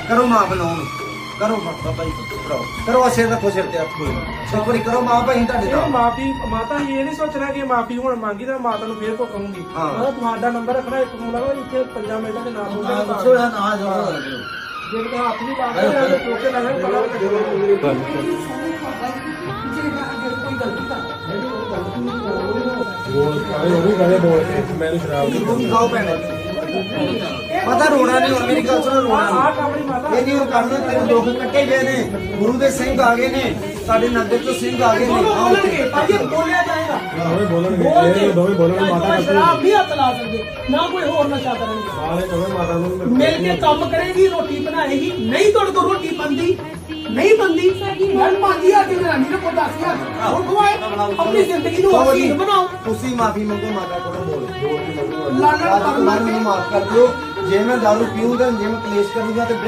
ਕਰੋ ਮਾਂ ਬਣਾਉਣ ਕਰੋ ਬਾਬਾ ਜੀ ਕਰਾਓ ਕਰੋ ਸਿਰ ਰੱਖੋ ਸਿਰ ਤੇ ਹੱਥ ਇੱਕ ਵਾਰੀ ਕਰੋ ਮਾਂ ਭਾਈ ਤੁਹਾਡੇ ਦਾ ਮਾਫੀ ਮਾਤਾ ਇਹ ਨਹੀਂ ਸੋਚਣਾ ਕਿ ਮਾਫੀ ਹੁਣ ਮੰਗੀ ਤਾਂ ਮਾਤਾ ਨੂੰ ਫੇਰ ਭੁੱਖੂਗੀ ਤੁਹਾਡਾ ਨੰਬਰ ਰੱਖਣਾ ਇੱਕ ਫੋਨ ਲਗਾ ਇੱਥੇ 5 ਮਿੰਟਾਂ ਦੇ ਨਾਮ ਹੋਊਗਾ ਨਾ ਜਾਓ ਜੇ ਕਿਤੇ ਹੱਥ ਵੀ ਲਾ ਦੇ ਟੋਕੇ ਲਾ ਦੇ ਮੈਨੂੰ ਸ਼ਰਾਬ ਦੀ ਖਾਓ ਭੈਣੇ ਪਤਾ ਰੋਣਾ ਨਹੀਂ ਹੁਣ ਮੇਰੀ ਗੱਲ ਸੁਣੋ ਰੋਣਾ ਇਹ ਨਹੀਂ ਹੁਣ ਕਰਨਾ ਤੇਰੇ ਲੋਕ ਕੱਟੇ ਗਏ ਨੇ ਗੁਰੂ ਦੇ ਸਿੰਘ ਆ ਗਏ ਨੇ ਸਾਡੇ ਨੰਦੇ ਤੋਂ ਸਿੰਘ ਆ ਗਏ ਨੇ ਬੋਲਿਆ ਜਾਏਗਾ ਦੋਵੇਂ ਬੋਲਣ ਮਾਤਾ ਸ਼ਰਾਬ ਨਹੀਂ ਹੱਥ ਲਾ ਸਕਦੇ ਨਾ ਕੋਈ ਹੋਰ ਨਸ਼ਾ ਕਰਨਗੇ ਸਾਰੇ ਕਹੇ ਮਾਤਾ ਨੂੰ ਮਿਲ ਕੇ ਕੰਮ ਕਰੇਗੀ ਰੋਟੀ ਬਣਾਏਗੀ ਨਹੀਂ ਤੁਹਾਡੇ ਕੋਲ ਰੋਟੀ ਬੰਦੀ ਨਹੀਂ ਬੰਦੀ ਮੈਂ 5000 ਦੀ ਜਨਾਨੀ ਨੂੰ 10,000 ਹੁਣ ਖਵਾਏ ਆਪਣੀ ਜ਼ਿੰਦਗੀ ਨੂੰ ਹਸੀਨ ਬਣਾਓ ਤੁਸੀਂ ਮਾਫੀ ਮੰਗੋ ਮਾਤਾ ਕੋਲੋਂ ਬੋਲ ਲਾਲਣ ਮੈਨੂੰ ਮਾਫ ਕਰ ਦਿਓ ਜੇ ਮੈਂ ਦਾਰੂ ਪੀਊਂਗਾ ਜੇ ਮੈਂ ਕਲੇਸ਼ ਕਰੂੰਗਾ ਤੇ